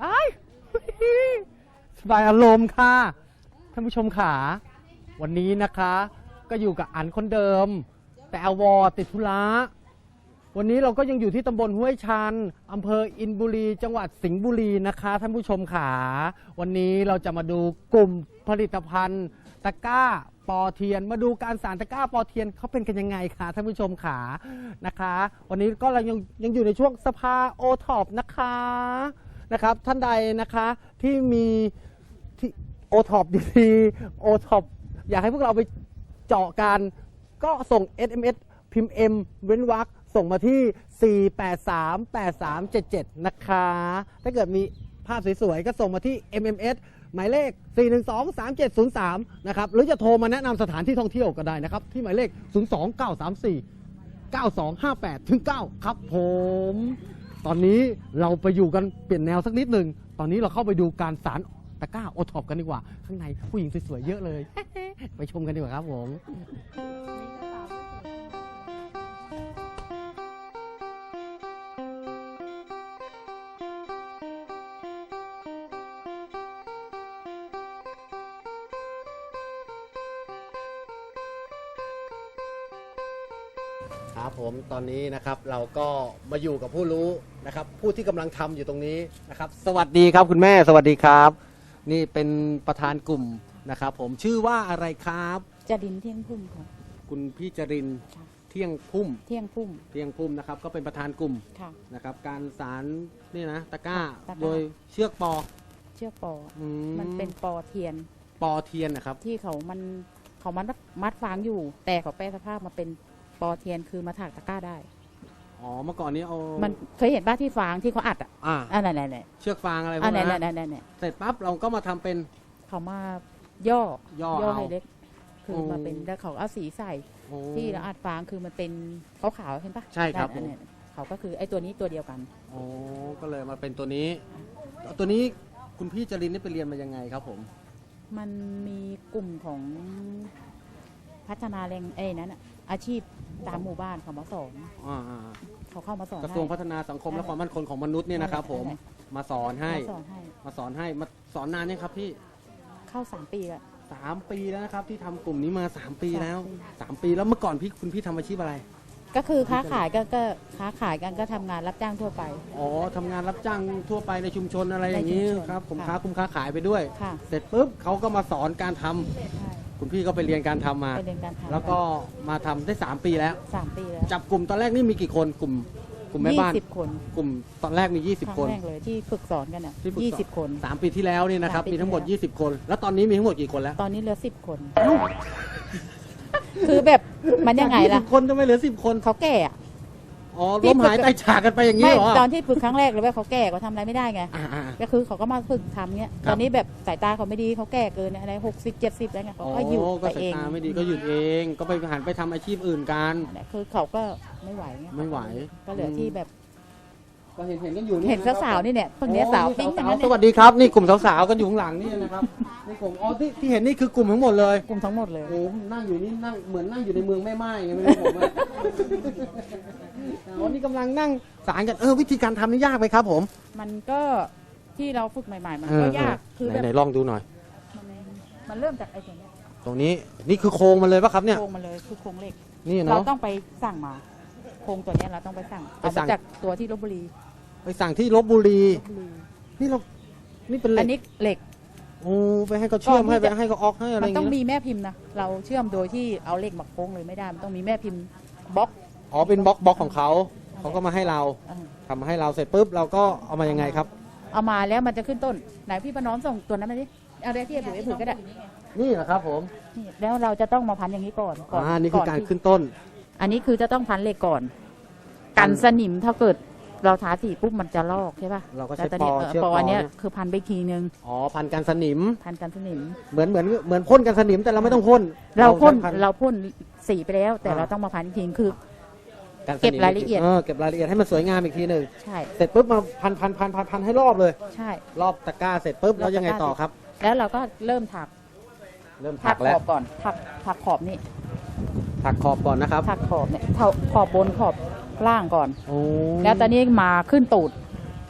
ไอ้สบายอารมณ์ค่ะท่านผู้ชมขาวันนี้นะคะก็อยู่กับอันคนเดิมแต่อวติดธุระวันนี้เราก็ยังอยู่ที่ตำบลห้วยชันอำเภออินบุรีจังหวัดสิงห์บุรีนะคะท่านผู้ชมขาวันนี้เราจะมาดูกลุ่มผลิตภัณฑ์ตะกร้าปอเทียนมาดูการสานตะกร้าปอเทียนเขาเป็นกันยังไงคะท่านผู้ชมขานะคะวันนี้ก็เรายังอยู่ในช่วงสภาโอท็อปนะคะนะครับท่านใดนะคะที่มีโอท็อปดีๆโอท็อปอยากให้พวกเราไปเจาะกันก็ส่ง SMS พิมพ์ M เว้นวรรคส่งมาที่ 4838377 นะคะ ถ้าเกิดมีภาพสวยๆ ก็ส่งมาที่ MMS หมายเลข 4123703 นะครับ หรือจะโทรมาแนะนำสถานที่ท่องเที่ยวก็ได้นะครับ ที่หมายเลข 029349258-9 ครับผม ตอนนี้เราไปอยู่กันเปลี่ยนแนวสักนิดหนึ่ง ตอนนี้เราเข้าไปดูการสารตะกร้าโอท็อปกันดีกว่า ข้างในผู้หญิงสวยๆ เยอะเลย ไปชมกันดีกว่าครับผม ครับผมตอนนี้นะครับเราก็มาอยู่กับผู้รู้นะครับผู้ที่กำลังทำอยู่ตรงนี้นะครับสวัสดีครับคุณแม่สวัสดีครับ นี่เป็นประธานกลุ่มนะครับผมชื่อว่าอะไรครับจรินเที่ยงพุ่มค่ะคุณพี่จรินเที่ยงพุ่มนะครับก็เป็นประธานกลุ่มนะครับการสารนี่นะตะกร้าโดยเชือกปอมันเป็นปอเทียนนะครับที่เขามัดฟางอยู่แต่เขาแปรสภาพมาเป็นปอเทียนคือมาถากตะกร้าได้อ๋อเมื่อก่อนนี้เอามันเคยเห็นบ้านที่ฟางที่เขาอัดอะไรเชือกฟางอะไรพวกนั้นเสร็จปั๊บเราก็มาทำเป็นเขามาย่อให้เล็กคือมาเป็นแล้วเขาเอาสีใส่ที่เราอัดฟางคือมันเป็นขาวๆเห็นปะใช่ครับเขาก็คือไอ้ตัวนี้ตัวเดียวกันอ๋อก็เลยมาเป็นตัวนี้คุณพี่จรินนี่ไปเรียนมายังไงครับผมมันมีกลุ่มของพัฒนาแรงนั้นอาชีพตามหมู่บ้านเขามาสอนเขาเข้ามาสอนกระทรวงพัฒนาสังคมและความมั่นคงของมนุษย์เนี่ยนะครับผมมาสอนให้มาสอนนานยังครับพี่เข้า3 ปีแล้ว 3 ปีแล้วนะครับที่ทำกลุ่มนี้มา3 ปีแล้ว3 ปีแล้วเมื่อก่อนคุณพี่ทำอาชีพอะไรก็คือค้าขายก็ค้าขายกันก็ทำงานรับจ้างทั่วไปอ๋อทำงานรับจ้างทั่วไปในชุมชนอะไรอย่างนี้ครับผมค้าขายไปด้วยเสร็จปุ๊บเขาก็มาสอนการทำคุณพี่ก็ไปเรียนการทำมาแล้วก็มาทำได้3 ปีแล้วจับกลุ่มตอนแรกนี่มีกี่คนกลุ่มแม่บ้าน 20 คนกลุ่มตอนแรกมี20 คนแรกเลยที่ฝึกสอนกัน20 คน 3 ปีที่แล้วนี่นะครับมีทั้งหมด20 คนแล้วตอนนี้มีทั้งหมดกี่คนแล้วตอนนี้เหลือ10 คนคือแบบมันยังไงล่ะคนทำไมเหลือ10 คนเขาแก่อ๋อล้มหายตายจากกันไปอย่างนี้เหรอตอนที่ฝึกครั้งแรกเลยว่าเขาแก่เขาทำอะไรไม่ได้ไงก็คือเขาก็มาฝึกทำเนี้ยตอนนี้แบบสายตาเขาไม่ดีเขาแก่เกินอะไร60-70แล้วไงเขาก็หยุดไปเองสายตาไม่ดีก็หยุดเองก็ไปหันไปทำอาชีพอื่นกันคือเขาก็ไม่ไหวก็เหลือที่แบบก็เห็นกันอยู่เห็นสาวๆนี่เนี่ยพวกนี้สาวปิ้งสวัสดีครับนี่กลุ่มสาวๆกันอยู่ข้างหลังนี่นะครับนี่กลุ่มที่เห็นนี่คือกลุ่มทั้งหมดเลยกลุ่มทั้งหมดเลยโอ้นั่งอยู่นี่นั่งเหมือนนั่งอยู่ในเมืองแม่ไม้ไงไม่รู้ผมวันนี้กำลังนั่งสารกันวิธีการทำนี่ยากไหมครับผมมันก็ที่เราฝึกใหม่ๆมันก็ยากคือไหนลองดูหน่อยมันเริ่มจากไอ้ตรงนี้นี่คือโครงมันเลยป่ะครับเนี่ยโครงมันเลยคือโครงเหล็กนี่เนาะเราต้องไปสั่งมาโครงตัวนี้เราต้องไปสั่งจากตัวที่ลพบุรีไปสั่งที่ลพบุรีนี่เป็นเหล็กอันนี้เหล็กโอ้ไปให้เขาเชื่อมให้เขาออกให้อะไรอย่างเงี้ยมันต้องมีแม่พิมพ์นะเราเชื่อมโดยที่เอาเหล็กมาโค้งเลยไม่ได้มันต้องมีแม่พิมพ์บล็อกอ๋อเป็นบล็อกของเขาก็มาให้เราทำมาให้เราเสร็จปุ๊บเราก็เอามายังไงครับเอามาแล้วมันจะขึ้นต้นไหนพี่ประน้อมส่งตัวนั้นมาดิเอาได้ที่ผือก็ได้นี่เหรอครับผมแล้วเราจะต้องมาพันอย่างนี้ก่อนนี่คือการขึ้นต้นอันนี้คือจะต้องพันเหล็กก่อนกันสนิมถ้าเกิดเราทาสีปุ๊บมันจะลอกใช่ป่ะเราก็ใช้ปออันนี้คือพันไปทีนึงพันกันสนิมเหมือนพ่นกันสนิมแต่เราไม่ต้องพ่นเราพ่นสีไปแล้วแต่เราต้องมาพันอีกทีคือเก็บรายละเอียดให้มันสวยงามอีกทีนึงใช่เสร็จปุ๊บมาพันให้รอบเลยใช่รอบตะกร้าเสร็จปุ๊บแล้วยังไงต่อครับแล้วเราก็เริ่มถักแล้วขอบก่อนถักขอบนี่ถักขอบก่อนนะครับถักขอบเนี่ยขอบบนขอบล่างก่อนแล้วตอนนี้มาขึ้นตูด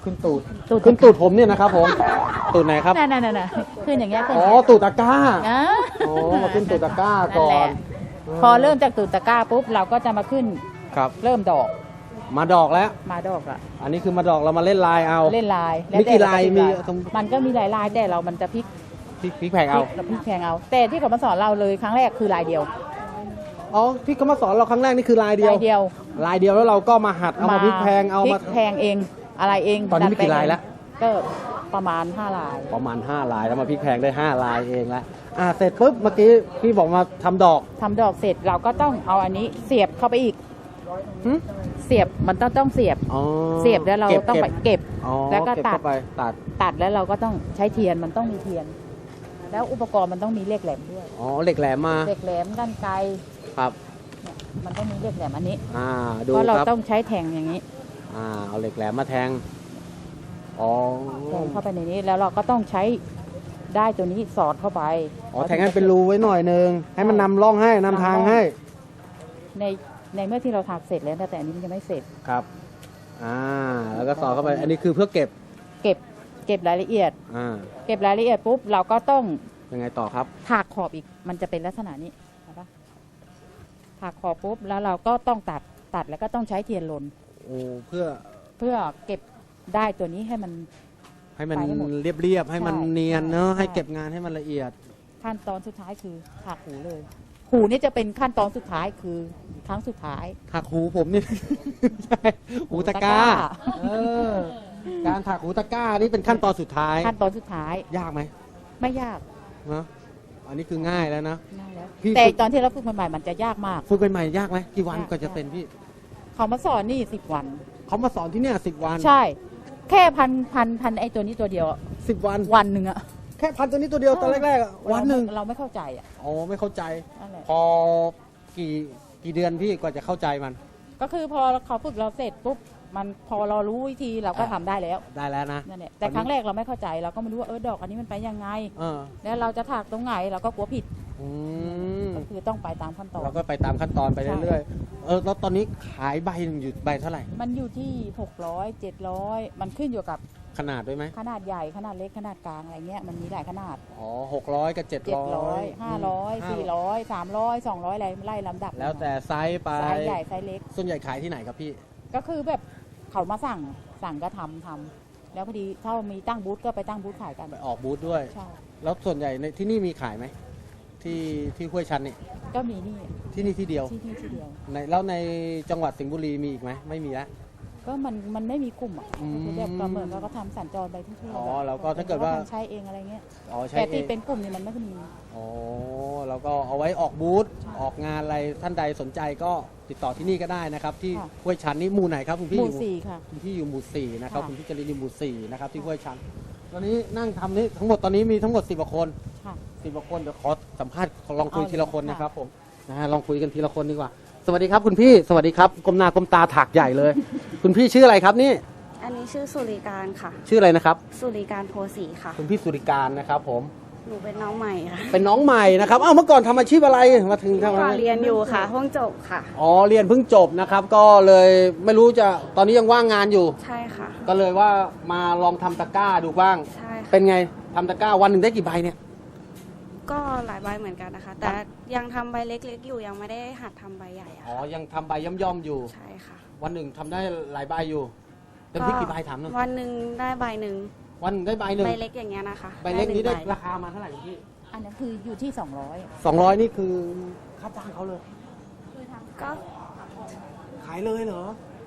ขึ้นตูดตูดขึ้นตูดผมเนี่ยนะครับผมตูดไหนครับนั่นขึ้นอย่างเงี้ยขึ้นอ๋อตูดตะกร้านะอ๋อมาขึ้นตูดตะกร้าก่อนั่นแหนละพอเริ่มจากตูดตะกร้าปุ๊บเราก็จะมาขึ้นครับเริ่มดอกมาดอกแล้วมาดอกอะอันนี้คือมาดอกเรามาเล่นลายเอาเล่นลายมีกี่ลายแต่มีเรจะพลิกมันก็มีหลายลายแต่เรามันจะพลิกพริกแพงเอาเราพลิกแพงเอา แต่ที่เขามาสอนเราเลยครั้งแรกคือลายเดียวอ๋อที่เขามาสอนเราครั้งแรกนี่คือลายเดียวลายเดียวลายเดียวแล้วเราก็มาหัดเอามาพริกแพงเอาพริมากแพงเองอะไรเองตอนนี้มีกี่ลายแล้วก็ประมาณ5ลายประมาณ5ลายแล้วมาพริกแพงได้5ลายเองแล้วเสร็จปุ๊บเมื่อกี้พี่บอกมาทำดอกทำดอกเสร็จเราก็ต้องเอาอันนี้เสียบเข้าไปอีกหึเสียบมันต้องเสียบอ๋อเสียบแล้วเราต้องไปเก็บอ๋อแล้วก็เบตัดเข้าไปตัดแล้วเราก็ต้องใช้เทียนมันต้องมีเทียน แล้วอุปกรณ์มันต้องมีเหล็กแหลมด้วยอ๋อเหล็กแหลมมาเหล็กแหลมด้านไกลครับเนี่ยมันต้องมีเหล็กแหลมอันนี้ดูเพราะเราครับต้องใช้แทงอย่างนี้เอาเหล็กแหลมมาแทงอ๋อแทงเข้าไปในนี้แล้วเราก็ต้องใช้ได้ตัวนี้สอดเข้าไปแทงให้เป็นรูไว้หน่อยนึงให้มันนำร่องให้นำทางให้ในเมื่อที่เราทำเสร็จแล้วนะแต่อันนี้มันยังไม่เสร็จครับแล้วก็สอดเข้าไปอันนี้คือเพื่อเก็บเก็บรายละเอียดอ่าเก็บรายละเอียดปุ๊บเราก็ต้องยังไงต่อครับถากขอบอีกมันจะเป็นลักษณะนี้เห็นปะถากขอบปุ๊บแล้วเราก็ต้องตัดแล้วก็ต้องใช้เทียนลนโอ้เพื่อเพื่อเก็บได้ตัวนี้ให้มันให้มันไปให้หมดเรียบๆให้มันใช่เนียนเนอะใช่ให้เก็บงานให้มันละเอียดขั้นตอนสุดท้ายคือถากหูเลย หูนี่จะเป็นขั้นตอนสุดท้ายคือครั้งสุดท้ายถักหูผมนี่ ใช่หูตะกร้าหูตะกร้าเออการถักหูตะกร้านี่เป็นขั้นตอนสุดท้ายขั้นตอนสุดท้ายยากไหมไม่ยากเนอะอันนี้คือง่ายแล้วนะง่ายแล้วพี่แต่ตอนที่เราฝึกใหม่ๆมันจะยากมากฝึกเป็นใหม่ยากไหมกี่วันยากก็จะเป็นพี่เขามาสอนนี่10 วันเขามาสอนที่เนี่ย10 วันใช่ แค่พันไอตัวนี้ตัวเดียวอะ 10 วันวันหนึ่งอะแค่พันตัวนี้ตัวเดียวตอนแรกๆอะวันหนึ่งเราไม่เข้าใจอะอ๋อไม่เข้าใจนั่นแหละพอกี่เดือนพี่กว่าจะเข้าใจมันก็คือพอเขาฝึกเราเสร็จปุ๊บมันพอเรารู้วิธีเราก็ทำได้แล้วได้แล้วนะนั่นแหละแต่ครั้งแรกเราไม่เข้าใจเราก็ไม่รู้ว่าดอกอันนี้มันไปยังไงเออแล้วเราจะถากตรงไหนเราก็กลัวผิดอืมก็คือต้องไปตามขั้นตอนเราก็ไปตามขั้นตอนไปเรื่อยๆแล้วตอนนี้ขายใบหนึ่งอยู่ใบเท่าไหร่มันอยู่ที่600 700มันขึ้นอยู่กับขนาดด้วยไหมขนาดใหญ่ขนาดเล็กขนาดกลางอะไรเงี้ยมันมีหลายขนาดอ๋อ600กับ700 700 500 400 300 200อะไรไล่ลำดับแล้วแต่ไซส์ไปไซส์ใหญ่ไซส์เล็กส่วนใหญ่ขายที่ไหนครับพี่ก็คือแบบเขามาสั่งก็ทำแล้วพอดีถ้ามีตั้งบูธก็ไปตั้งบูธขายกันไปออกบูธด้วยใช่แล้วส่วนใหญ่ในที่นี่มีขายไหมที่ห้วยชันนี่ก็มีนี่ที่นี่ที่เดียวที่เดียวแล้วในจังหวัดสิงห์บุรีมีอีกไหมไม่มีแล้วก็มันไม่มีกลุ่มอ่ะอืมคือแบบก็เหมือนว่าก็ทำสัญจรไปทั่วๆอ๋อแล้วก็ถ้าเกิดว่าใช้เองอะไรเงี้ยอ๋อใช่แต่เอที่งเป็นกลุ่มเนี่ยมันไม่ค่อยมีอ๋อแล้วก็เอาไว้ออกบูธใช่ออกงานอะไรท่านใดสนใจก็ติดต่อที่นี่ก็ได้นะครับ ที่ค่ะห้วยชันนี่หมู่ไหนครับคุณพี่หอมู่ยู่สี่ค่ะคุณพี่อยู่หมู่สี่นะครับค่ะคุณพี่จรินอยู่หมู่สี่นะครับที่ห้วยชันตอนนี้นั่งทำนี่ทั้งหมดตอนนี้มีทั้งหมด10กว่าคนค่ะ 10กว่าคนเดี๋ยวขอสัมภาษณ์ลองคุยเอาเลยทีละคนค่ะนะครับผมลองคุยกันทีละคนดีกว่า สวัสดีครับคุณพี่สวัสดีครับก้มหน้าก้มตาถักใหญ่เลย คุณพี่ชื่ออะไรครับนี่อันนี้ชื่อสุริการค่ะชื่ออะไรนะครับสุริการโพสีค่ะคุณพี่สุริการนะครับผมหนูเป็นน้องใหม่ค่ะเป็นน้องใหม่นะครับเมื่อก่อนทำอาชีพอะไรมาถึงทำอะไรเรียนอยู่ค่ะห้องจบค่ะอ๋อเรียนเพิ่งจบนะครับก็เลยไม่รู้จะตอนนี้ยังว่างงานอยู่ใช่ค่ะก็เลยว่ามาลองทำตะกร้าดูบ้างใช่ค่ะเป็นไงทำตะกร้าวันหนึ่งได้กี่ใบเนี่ยก็หลายใบเหมือนกันนะคะ แต่ยังทำใบเล็กๆอยู่ยังไม่ได้หัดทำใบใหญ่อะอ๋อค่ะยังทำใบย่อมๆอยู่ใช่ค่ะวันหนึ่งทำได้หลายใบอยู่เต็มที่กี่ใบถามหน่อยวันหนึ่งได้ใบหนึ่งวันหนึ่งได้ใบหนึ่งใบเล็กอย่างเงี้ยนะคะใบเล็กนี้ได้หงราคามาเท่าไหร่คุณพี่อันนั้นคืออยู่ที่ 200นี่คือค่าจ้างเขาเลยก็ขายเลยเหรอ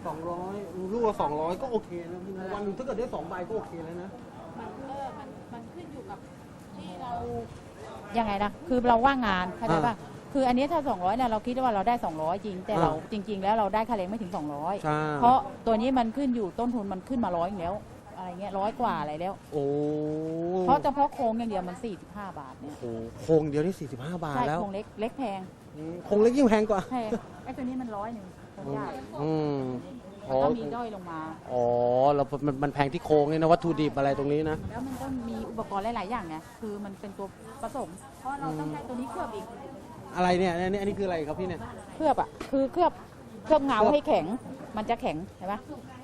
200ลูกละ200ก็โอเคนะวันหนึ่งถ้าเกิดได้2ใบก็โอเคแล้วนะมันขึ้นอยู่กับที่เรายังไงนะคือเราว่างงานเข้าใจป่ะคืออันนี้ถ้า200เนี่ยเราคิดว่าเราได้200จริงแต่เราจริง ๆ แล้วเราได้ค่าแรงไม่ถึง200 ใช่เพราะตัวนี้มันขึ้นอยู่ต้นทุนมันขึ้นมา100อีกแล้วอะไรเงี้ย100 กว่าอะไรแล้วโอ้เพราะเฉพาะโครงอย่างเดียวมัน45 บาทเนี่ยโหโครงเดียวนี่45 บาทใช่แล้วโครงเล็กแพงโครงเล็กยิ่งแพงกว่าใช่ไอ้ตัวนี้มัน100โครงใหญ่อืมมันก็มีด้อยลงมาอ๋อแล้วมันแพงที่โครงเนี่ยนะวัตถุดิบอะไรตรงนี้นะแล้วมันก็มีอุปกรณ์หลาย ๆ อย่างไงคือมันเป็นตัวผสม เพราะเราต้องใช้ตัวนี้เคลือบอีกอะไรเนี่ยอันนี้คืออะไรครับพี่เนี่ยเคลือบอ่ะคือเคลือบเงาให้แข็งมันจะแข็งเห็นปะอ๋อ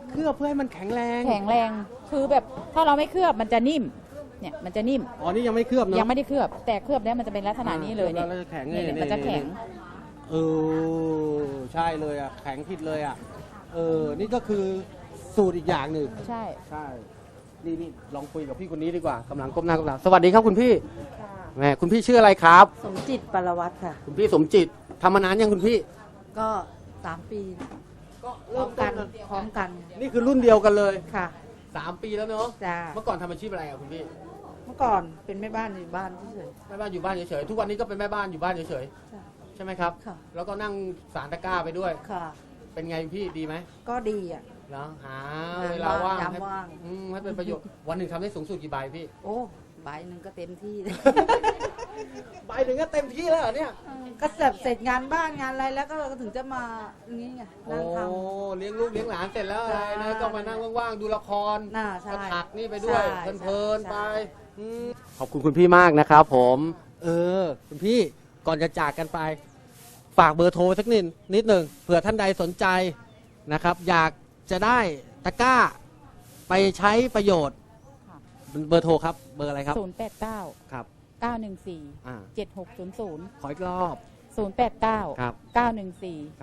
เคลือบเพื่อให้มันแข็งแรงแข็งแรงคือแบบถ้าเราไม่เคลือบมันจะนิ่มเนี่ยมันจะนิ่มอ๋อนี่ยังไม่เคลือบเนาะยังไม่ได้เคลือบ แต่เคลือบแล้วมันจะเป็นลักษณะนี้เลยเนี่ยแล้วจะแข็งเนี่ยมันจะแข็งเออใช่เลยอ่ะแข็งผิดเลยอ่ะนี่ก็คือสูตรอีกอย่างหนึ่งใช่ใช่นี่ลองคุยกับพี่คนนี้ดีกว่ากำลังก้มหน้าก้มตาสวัสดีครับคุณพี่แหมคุณพี่ชื่ออะไรครับสมจิตปรวัตรค่ะคุณพี่สมจิตทำมานานยังคุณพี่ก็3 ปีก็พร้อมกันพร้อมกันนี่คือรุ่นเดียวกันเลยค่ะ 3 ปีแล้วเนาะจ้าเมื่อก่อนทำอาชีพอะไรอ่ะคุณพี่เมื่อก่อนเป็นแม่บ้านอยู่บ้านเฉยแม่บ้านอยู่บ้านเฉยๆทุกวันนี้ก็เป็นแม่บ้านอยู่บ้านเฉยๆจ้ะๆใช่ไหมครับค่ะแล้วก็นั่งสารตะกร้าไปด้วยค่ะเป็นไงพี่ดีไหมก็ดีอ่ะเนาะหางานเวลาว่างยามให้ว่างให้เป็นประโยชน์วันหนึ่งทำได้สูงสุดกี่ใบพี่โอ้ใบหนึ่งก็เต็มที่เลยใบหนึ่งก็เต็มที่แล้วเหรอเนี่ยก็แบบเสร็จงานบ้านงานอะไรแล้วก็ถึงจะมาอย่างนี้ไงโอ้นั่งทเลี้ยงลูกเลี้ยงหลานเสร็จแล้วอะไรนะใช่ก็มานั่งว่างๆดูละครน่าใช่ก็ถักนี่ไปด้วยใช่เพลินๆใช่ไปขอบคุณคุณพี่มากนะครับผมคุณพี่ก่อนจะจากกันไป ฝากเบอร์โทรสักนิดหนึ่งเผื่อท่านใดสนใจนะครับ อยากจะได้ตะกร้าไปใช้ประโยชน์ค่ะเบอร์โทรครับเบอร์อะไรครับ 089 ครับ 914 อ่า 7600 ขออีกรอบ 089 ครับ 914 ครับ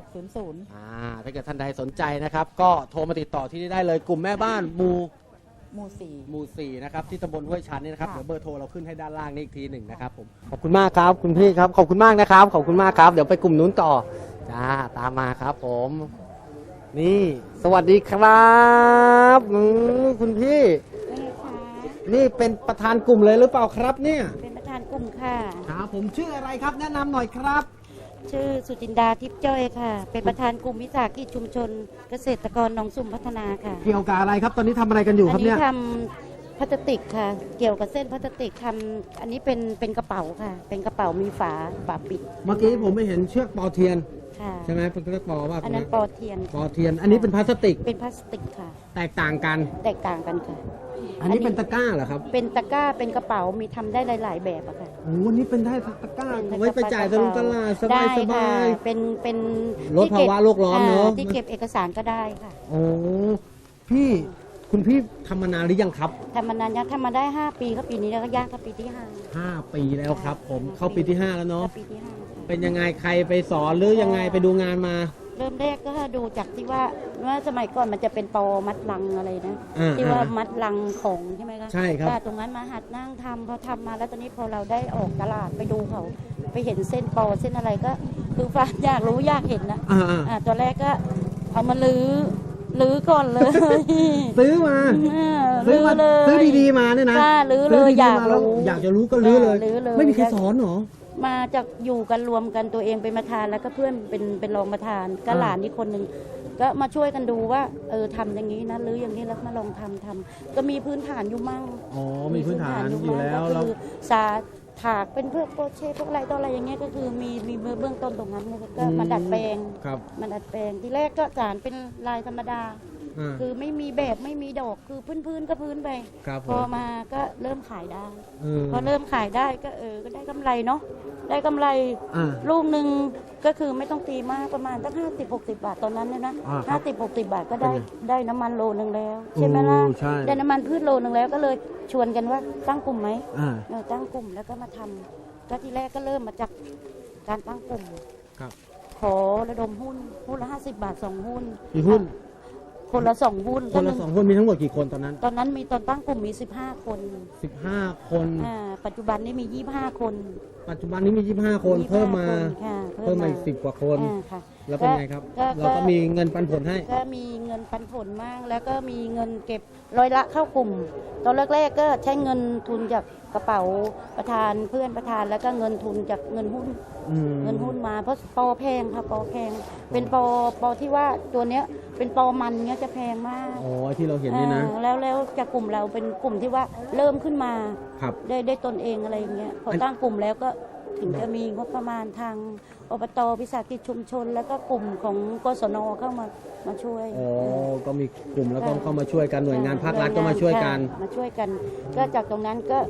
7600 ถ้าเกิดท่านใดสนใจนะครับ ก็โทรมาติดต่อที่นี่ได้เลยกลุ่มแม่บ้านหมู่หมู่หมู่ 4 นะครับ ที่ตำบลห้วยชันนี่นะครับค่ะเดี๋ยวเบอร์โทรเราขึ้นให้ด้านล่างนี่อีกทีหนึ่งนะครับผมขอบคุณมากครับคุณพี่ครับขอบคุณมากนะครับขอบคุณมากครับเดี๋ยวไปกลุ่มนู้นต่อจ้าตามมาครับผม นี่สวัสดีครับคุณพี่ นี่เป็นประธานกลุ่มเลยหรือเปล่าครับเนี่ยเป็นประธานกลุ่มค่ะครับผมชื่ออะไรครับแนะนำหน่อยครับชื่อสุจินดาทิพย์จ้อยค่ะ เป็นประธานกลุ่มวิสาหกิจชุมชน เกษตรกรหนองสุ่มพัฒนาค่ะเกี่ยวกับอะไรครับตอนนี้ทำอะไรกันอยู่คอัรับนี้เนี่ยทำพลาสติกค่ะ เกี่ยวกับเส้นพลาสติกทำอันนี้เป็นกระเป๋าค่ะ เป็นกระเป๋ามีฝาปิดเมื่อกี้ผมไม่เห็นเชือกปอเทียนค่ะใช่ไหมเป็นเชือกปอว่าอันนั้นปอเทียนปอเทียน อันนี้เป็นพลาสติกเป็นพลาสติกค่ะแตกต่างกันแตกต่างกันค่ะอันนี้เป็นตะกร้าเหรอครับเป็นตะกร้าเป็นกระเป๋ามีทำได้หลาย ๆ แบบอะค่ะโอ้วันนี้เป็นได้ตะกร้าเป็นเอาไว้ไปจ่ายตลงตลาดสบายได้สค่ะบายเป็นลดภาวะโลกร้อนเนอะที่เก็บเอกสารก็ได้ค่ะโอ้พี่คุณพี่ทำมานานหรือยังครับทำมานานยังทำมาได้ 5 ปีก็ปีนี้แล้วก็ย่างเข้าปีที่ 5 5 ปีแล้วครับ ผมเข้าปีที่ 5 แล้วเนาะปีที่5ค่ะเป็นยังไงใครไปสอนหรือยังไงไปดูงานมาเริ่มแรกก็ดูจากที่ว่าสมัยก่อนมันจะเป็นปอมัดลังอะไรนะอ่าที่ว่ามัดลังของใช่ไหมคะใช่ครับก็ตรงนั้นมาหัดนั่งทำพอทำมาแล้วตอนนี้พอเราได้ออกตลาดไปดูเขาไปเห็นเส้นปอเส้นอะไรก็คือฟ้าอยากรู้อยากเห็นนะ ตัวแรกก็เอามาลื้อก่อนเลยซื้อมา ซื้อมาเลยซื้อดีๆมาเนี่ยนะค่ะลื้อเลยซื้ดีๆอยากมแล้วรู้อยากจะรู้ก็ลื้อเลยลื้อเลยไม่มีใครสอนเหรอมาจากอยู่กันรวมกันตัวเองเป็นประธานแล้วก็เพื่อนเป็นรองประธานก็อ่าหลานอีกคนหนึ่งก็มาช่วยกันดูว่าทำอย่างนี้นะหรืออย่างนี้แล้วมาลองทำก็มีพื้นฐานอยู่มั่งอ๋อมีพื้นฐานอยู่แล้วก็แล้วคือสาถากเป็นเพื่อโปรเช่พวกอะไรต่ออะไรอย่างเงี้ยก็คือมีเบื้องต้นตรงนั้นเลยก็มาดัดแปลงครับมาดัดแปลงที่แรกก็สารเป็นลายธรรมดา คือไม่มีแบบไม่มีดอกคือพื้นก็พื้นไปครับผพอมมาก็เริ่มขายได้เออพอเริ่มขายได้ก็ก็ได้กำไรเนาะได้กำไรอ่าลูกหนึ่งก็คือไม่ต้องตีมากประมาณตั้ง50-60 บาทตอนนั้นนะอ่าครับ 50-60 บาทก็ได้เป็นไงได้น้ำมันโลนึงแล้วใช่ไหมล่ะโอ้ใช่ได้น้ำมันพืชโลนึงแล้วก็เลยชวนกันว่าตั้งกลุ่มไหมอ่าตั้งกลุ่มแล้วก็มาทำก็ทีแรกก็เริ่มมาจากการตั้งกลุ่มครับขอระดมหุ้นละ50 บาท2 หุ้นกี่หุ้นคนละ2 หุ้นคนละก็หง 2 คนมีทั้งหมดกี่คนตอนนั้นตอนนั้นมีตอนตั้งกลุ่มมี15 คน 15 คนปัจจุบันนี้มี25 คนปัจจุบันนี้มี 25 คนเพิ่มมา 25ค่ะเพิ่มมาอีก10 กว่าคนค่ะแล้วเป็นไงครับก็เราก็มีเงินปันผลให้ก็มีเงินปันผลมาก แล้วก็มีเงินเก็บร้อยละเข้ากลุ่ม ตอนแรกๆก็ใช้เงินทุนจากกระเป๋าประธานเพื่อนประธานแล้วก็เงินทุนจากเงินหุ้น เงินหุ้นมาเพราะปอแพงค่ะปอแพง เป็นปอที่ว่าตัวเนี้ยเป็นปอมันเนี้ยจะแพงมากอ๋อที่เราเห็นนี่นะแล้วจากกลุ่มเราเป็นกลุ่มที่ว่าเริ่มขึ้นมาครับได้ตนเองอะไรอย่างเงี้ยพอตั้งกลุ่มแล้วก็ถึงจะมีงบประมาณทางอบตวิสาหกิจชุมชน แล้วก็กลุ่มของกศนเข้ามาช่วยอ๋อ ก็มีกลุ่มแล้วก็เข้ามาช่วยกันหน่วยงานภาครัฐก็มาช่วยกันมาช่วยกัน ก็จากตรงนั้นก็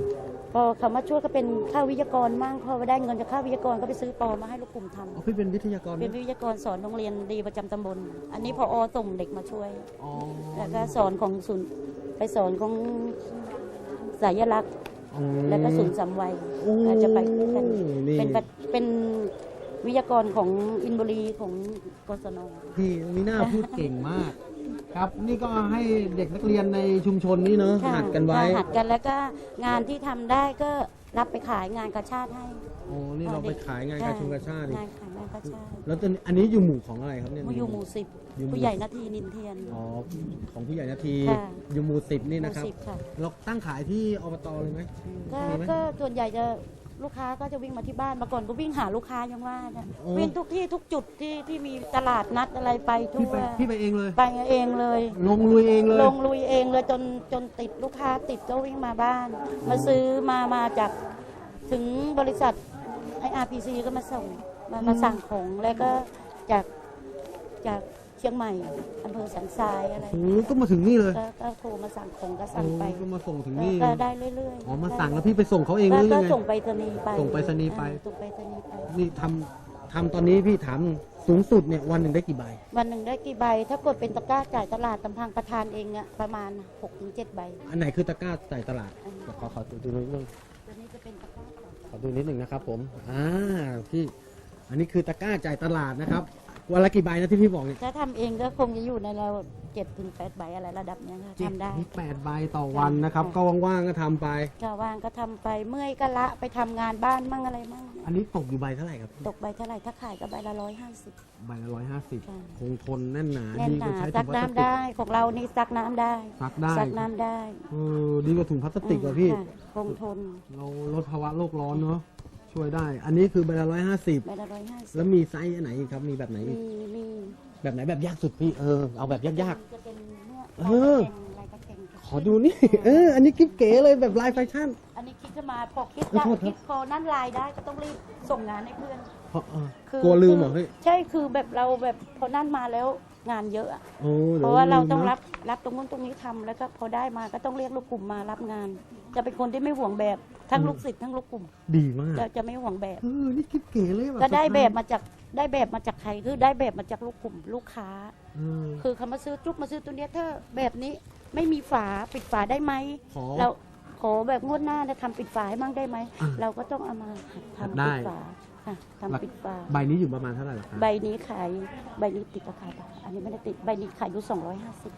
พอเขามาช่วยก็เป็นค่าวิทยากรมั่งพอได้เงินจากค่าวิทยากรก็ไปซื้อปอมาให้ลูกกลุ่มทำอ๋อพี่เป็นวิทยากรเป็นวิทยากรสอนโรงเรียนดีประจำตำบล อันนี้พอส่งเด็กมาช่วยอ๋อแล้วก็สอนของศูนย์ไปสอนของสายลักษณ์ แล้วก็ศูนย์สามวัยอาจจะไปด้วยกันนี่เป็นวิทยากรของอินบุรีของกศนพี่มีหน้าพูดเก่งมาก ครับ นี่ก็ให้เด็กนักเรียนในชุมชนนี้เนอะค่ะหัดกันไว้หัดกันแล้วก็งานที่ทำได้ก็รับไปขายงานกาชาติให้โอ้นี่เราไปขายงานกาชงกาชาตินี่งานขายงานกาชาติแล้วอันนี้อยู่หมู่ของอะไรครับเนี่ยอยู่หมู่สิบอยู่หมู่ผู้ใหญ่นาทีนินเทียนอ๋อของผู้ใหญ่นาทีค่ะอยู่หมู่10นี่หนะมู่ครับสิบค่ะเราตั้งขายที่อบตเลยไหมก็มีไหมก็ส่วนใหญ่จะลูกค้าก็จะวิ่งมาที่บ้านมาก่อนก็วิ่งหาลูกค้ายังว่านะโอ้วิ่งทุกที่ทุกจุดที่มีตลาดนัดอะไรไปทั่พี่วไปเองเลยไปเองเลยลงลุยเองเลยลงลุยเองเลยจนติดลูกค้าติดก็วิ่งมาบ้าน มาซื้อมาจากถึงบริษัทไอ RPC ก็มาส่งมาสั่งของแล้วก็จากเชียงใหม่อำเภอสันทรายอะไรโอ้ก็มาถึงนี่เลยก็โทรมาสั่งของก็สั่งไปโอ้ก็มาส่งถึงนี่ก็ได้เรื่อยๆอ๋อมาสั่งแล้วพี่ไปส่งเขาเองหรือก็ยังไงส่งไปรษณีย์ไปส่งไปรษณีย์ไปส่งไปรษณีย์ไปนี่ทำตอนนี้พี่ถามสูงสุดเนี่ยวันหนึ่งได้กี่ใบวันหนึ่งได้กี่ใบ ถ้ากดเป็นตะกร้าจ่ายตลาดตำพังประธานเองอะประมาณ 6-7 ใบอันไหนคือตะกร้าใส่ตลาดอันนี้ขอดูนิดนึงตัวนี้จะเป็นตะกร้าจ่ายขอดูนิดนึงนะครับผมพี่อันนี้คือตะกร้าจ่ายตลาดนะครับวันละกี่ใบนะที่พี่บอกเนี่ยถ้าทำเองก็คงจะอยู่ในเรา7-8 ใบอะไรระดับเนี้ยค่ะทำได้นี่8 ใบต่อวันนะครับค่ะก็ว่างๆก็ทำไปก็ว่างก็ทำไปเมื่อยก็ละไปทำงานบ้านมั่งอะไรมั่งอันนี้ตกอยู่ใบเท่าไหร่ครับตกใบเท่าไหร่ถ้าขายก็ใบละ150 ใบละค่ะ 150คงทนแน่นหนาแน่นดีหกว่านาใช้ซัถุกงพลาสน้ำติกได้ของเรานี่ซักน้ำได้ซักได้ซักน้ำได้ดีกว่าถุงพลาสติกอะพี่ค่ะคงทนเราลดภาวะโลกร้อนเนาะช่วยได้ อันนี้คือใบละใบละ 150แล้วมีไซส์อันไหนอีกครับมีแบบไหน 150 อีกมีแบบไหนแบบยากสุดพี่เอาแบบยากจะเป็นเนี่ยเออลายกระเกงๆขอดูนี่ อันนี้กิ๊บเก๋เลยแบบลายแฟชั่นอันนี้คิดจะมาพอคิดขอได้โทษครับคิดพอนั่นลายได้ก็ต้องรีบส่งงานให้เพื่อนเพราะคืกลัวลืมเหรอพี่ใช่คือแบบเราแบบพอนั่นมาแล้วงานเยอะอะโอ้ดี๋เพยวราะว่าเราต้องลืมนะรับตรงนู้นตรงนี้ทำแล้วก็พอได้มาก็ต้องเรียกลูกกลุ่มมารับงาน จะเป็นคนที่ไม่ห่วงแบบทั้งลูกศิษย์ทั้งลูกกลุ่มดีมากจะไม่ห่วงแบบนี่กิ๊บเก๋เลยแบบก็ได้แบบมาจากใครคือได้แบบมาจากลูกกลุ่มลูกค้าเออคือเขามาซื้อจุ๊บมาซื้อตัวเนี้ยถ้าแบบนี้ไม่มีฝาปิดฝาได้ไหมขอเราขอแบบงวดหน้าจะทำปิดฝาให้มั่งได้ไหมอ่ะเราก็ต้องเอามาทำได้ปิดฝาค่ะทำปิดฝาใบนี้อยู่ประมาณเท่าไหร่ล่ะครับใบนี้ขายใบนี้ติดราคาอันนี้ไม่ได้ติดใบนี้ขายอยู่250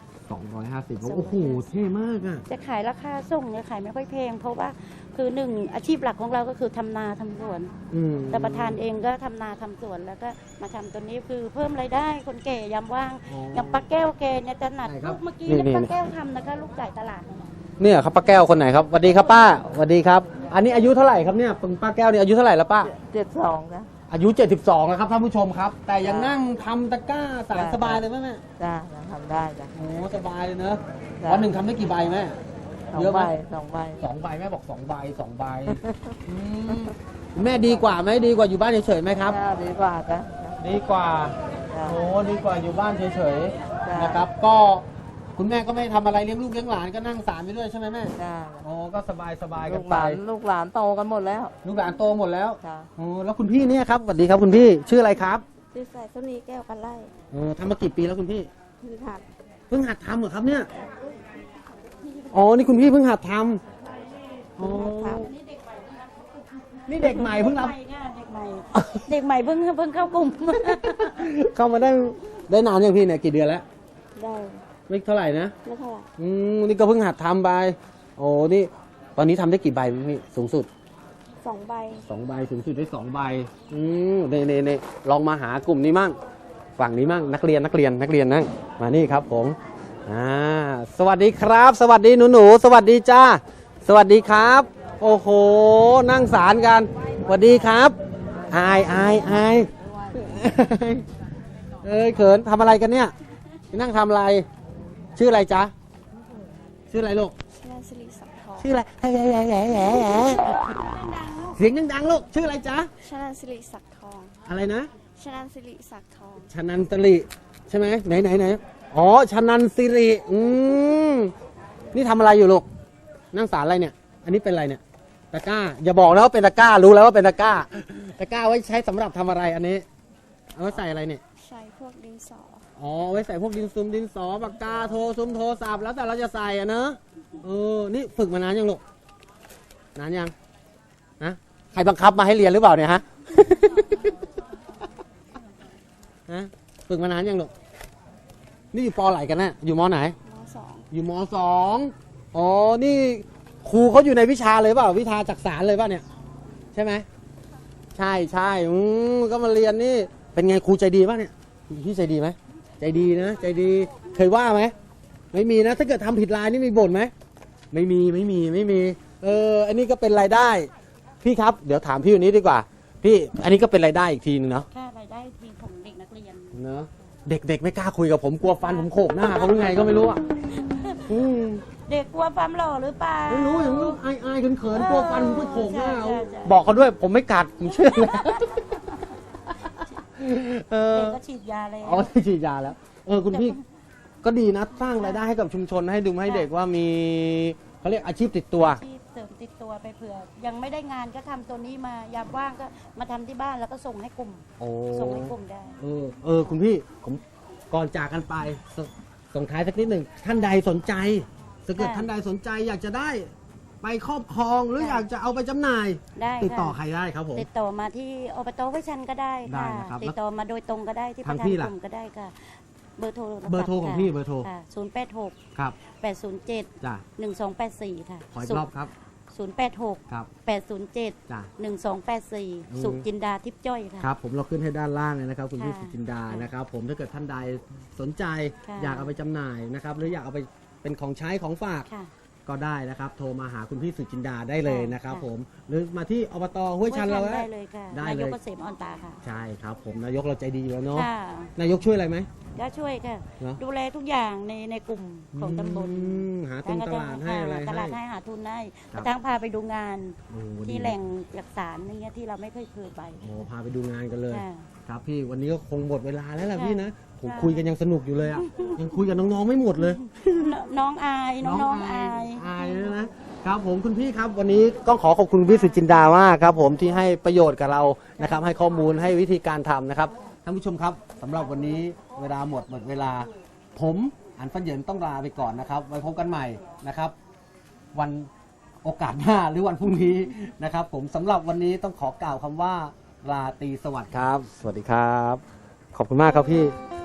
250โอ้โหเท่มากอ่ะจะขายราคาส่งเนี่ยขายไม่ค่อยแพงเพราะว่าคือหนึ่งอาชีพหลักของเราก็คือทำนาทำสวน แต่ประธานเองก็ทำนาทำสวนแล้วก็มาทำตัวนี้คือเพิ่มรายได้คนแก่ยามว่างอ๋ออย่างป้าแก้วแกเนี่ยจะหนัดใช่ครับลูกเมื่อกี้นี่เนี่ยป้านี่แก้วทำนะคะลูกจ่ายตลาดเนี่ยเนี่ยครับป้าแก้วคนไหนครับสวัสดีครับป้าสวัสดีครับ อันนี้อายุเท่าไหร่ครับเนี่ยป้าแก้วเนี่ยอายุเท่าไหร่แล้วป้า 72นะอายุ 72แล้วครับท่านผู้ชมครับ แต่ยังนั่งทำตะกร้าสารสบายเลยไหมแม่จ้าทำได้จ้ะโอ้สบายเลยเนอะจ้ะวันหนึ่งทำได้กี่ใบแม่ เยอะไหมสองใบ 2 ใบแม่บอก2 ใบ 2 ใบอืมแม่ดีกว่าไหมดีกว่าอยู่บ้านเฉยๆไหมครับจ้าดีกว่าจ้ะดีกว่าจ้ะโอ้ดีกว่าอยู่บ้านเฉยจ้ะๆนะครับ ก็คุณแม่ก็ไม่ทำอะไรเลี้ยงลูกเลี้ยงหลานก็นั่งสารไปด้วยใช่ไหมแม่จ้าโอ้ก็สบายสบายๆกัลูนกหไปลานลูกหลานโตกันหมดแล้วลูกหลานโตหมดแล้วจ้าโอ้แล้วคุณพี่เนี่ยครับสวัสดีครับคุณพี่ชื่ออะไรครับซื้อใส่ส้มนี้แก้วกันไล่โอ้ทำมากี่ปีแล้วคุณพี่คือหัดเพิ่งหัดทำเหรอครับเนี่ยอ๋อนี่คุณพี่เพิ่งหัดทำอ๋อนี่เด็กใหม่เพิ่งรับเด็กใหม่เด็กใหม่เพิ่งเข้ากลุ่มเข้ามาได้นานยังพี่เนี่ยกี่เดือนแล้วได้ไม่เท่าไหร่นะไม่เท่าไหร่นี่ก็เพิ่งหัดทำไปโอ้นี่ตอนนี้ทำได้กี่ใบพี่สูงสุด 2 ใบ 2 ใบสูงสุดได้2 ใบเน่ลองมาหากลุ่มนี้มั่งฝั่งนี้มั่งนักเรียนนั่งมานี่ครับผมสวัสดีครับ สวัสดีหนูสวัสดีจ้าสวัสดีครับ โอ้โหนั่งสารกันสวัสดีครับอายเอ้ยเขินทำอะไรกันเนี่ยนั่งทำอะไร ชื่ออะไรจ๊ะชื่ออะไรลูกชนะสิริสักทองชื่ออะไรเสียงดังๆลูกชื่ออะไรจ๊ะชนะสิริสักทองอะไรนะชนะสิริสักทองชนันตริใช่ไหมไหนอ๋อชนันสิรินี่ทำอะไรอยู่ลูกนั่งสารอะไรเนี่ย อันนี้เป็นอะไรเนี่ยตะกร้า อย่าบอกนะว่าเป็นตะกร้า รู้แล้วว่าเป็นตะกร้า ตะกร้าไว้ใช้สำหรับทำอะไรอันนี้ เอาไว้ใส่อะไรเนี่ยใช้พวกดินสออ๋อ ไว้ใส่พวกดินซุมดินสอปากกาโทรซุมโทรศัพท์แล้วแต่เราจะใส่อะเนอะนี่ฝึกมานานยังลูก นานยังนะใครบังคับมาให้เรียนหรือเปล่าเนี่ยฮะ ฮะฝึกมานานยังลูก นี่อยู่ปไหนกันนะอยู่มไหนมสองอยู่มสองอ๋อ นี่ครูเขาอยู่ในวิชาเลยเปล่า วิชาจักษานเลยเปล่าเนี่ย ใช่ไหม ใช่ใช่ก็มาเรียนนี่ เป็นไงครูใจดีป่ะเนี่ยพี่ใจดีไหม ใจดีนะ ใจดี เคยว่าไหม ไม่มีนะ ถ้าเกิดทำผิดลายนี่มีบ่นไหม ไม่มี อันนี้ก็เป็นรายได้ พี่ครับ เดี๋ยวถามพี่วันนี้ดีกว่า พี่ อันนี้ก็เป็นรายได้อีกทีนึงเนาะค่ารายได้ทีของเด็กนักเรียนเนาะ เด็กๆไม่กล้าคุยกับผมกลัวฟันผมโขกหน้าเขาหรือไงก็ไม่รู้อ่ะเด็กกลัวความหล่อหรือเปล่าไม่รู้อย่างนี้อายเขินๆกลัวฟันผมโขกหน้าเอาใช่ใช่บอกเขาด้วยผมไม่กัดผมเชื่อเลยเด็กก็ฉีดยาแล้วอ๋อที่ฉีดยาแล้ว คุณพี่ก็ดีนะสร้างรายได้ให้กับชุมชนให้ดูให้เด็กว่ามีเขาเรียกอาชีพติดตัวที่เสริมติดตัวไปเผื่อ ยังไม่ได้งานก็ทำตัวนี้มายามว่างก็มาทำที่บ้านแล้วก็ส่งให้กลุ่มโอ้ส่งให้กลุ่มได้คุณพี่ผมก่อนจากกันไปส่งท้ายสักนิดหนึ่งท่านใดสนใจถ้าเกิดค่ะท่านใดสนใจอยากจะได้ ไปครอบครองหรืออยากจะเอาไปจำหน่ายได้ติดต่อค่ะใครได้ครับผมติดต่อมาที่อบตห้วยชันก็ได้ได้ค่ะนะครับติดต่อมาโดยตรงก็ได้ที่ปทางระธานพี่กล่ะลุ่มก็ได้ค่ะ เบอร์โทรเบอร์โทรของพี่เบอร์โทร 086 ครับ 807 จ้ะ 1284 ค่ะขออีกรอบครับ 086 ครับ 807 จ้ะ 1284 สุจินดาทิพย์จ้อยค่ะครับผมเราขึ้นให้ด้านล่างเลยนะครับ คุณพี่ค่ะสุจินดานะครับ ผมถ้าเกิดท่านใดสนใจค่ะอยากเอาไปจำหน่ายนะครับ หรืออยากเอาไปเป็นของใช้ของฝากค่ะก็ได้นะครับ โทรมาหาคุณพี่สุจินดาได้เลยนะครับค่ะผมหรือมาที่อบตห้วยชันเราได้เลยค่ะได้นายเลกยเกษมออนตาค่ะใช่ครับ ผมนายกเราใจดีอยู่แล้วเนาะค่ะนายกช่วยอะไรไหมก็ช่วยค่ะเหรอดูแลทุกอย่างในกลุ่มของตำบลหาทุนตลาดให้อะไรตลาดให้ให้หาทุนให้ครักบระทั่งพาไปดูงานโอ้ที่ดีแหล่งจักสารนี่เงี้ยที่เราไม่เคยไปโอ้พาไปดูงานกันเลยค่ะครับพี่วันนี้ก็คงหมดเวลาแล้วล่ะค่ะพี่นะผมค่ะคุยกันยังสนุกอยู่เลยอ่ะ ยังคุยกับน้องๆไม่หมดเลยน้องอายน้องๆอายอายเลยนะครับผมคุณพี่ครับวันนี้ต้องขอขอบคุณพี่สุจินดามากครับผมที่ให้ประโยชน์กับเรานะครับให้ข้อมูลให้วิธีการทำนะครับท่านผู้ชมครับสำหรับวันนี้เวลาหมดเวลา ผมอันฟันเหยินต้องลาไปก่อนนะครับไว้พบกันใหม่นะครับ วันโอกาสหน้าหรือวันพรุ่งนี้นะครับ ผมสำหรับวันนี้ต้องขอกล่าวคำว่าราตรีสวัสดิ์ครับ สวัสดีครับ ขอบคุณมากครับพี่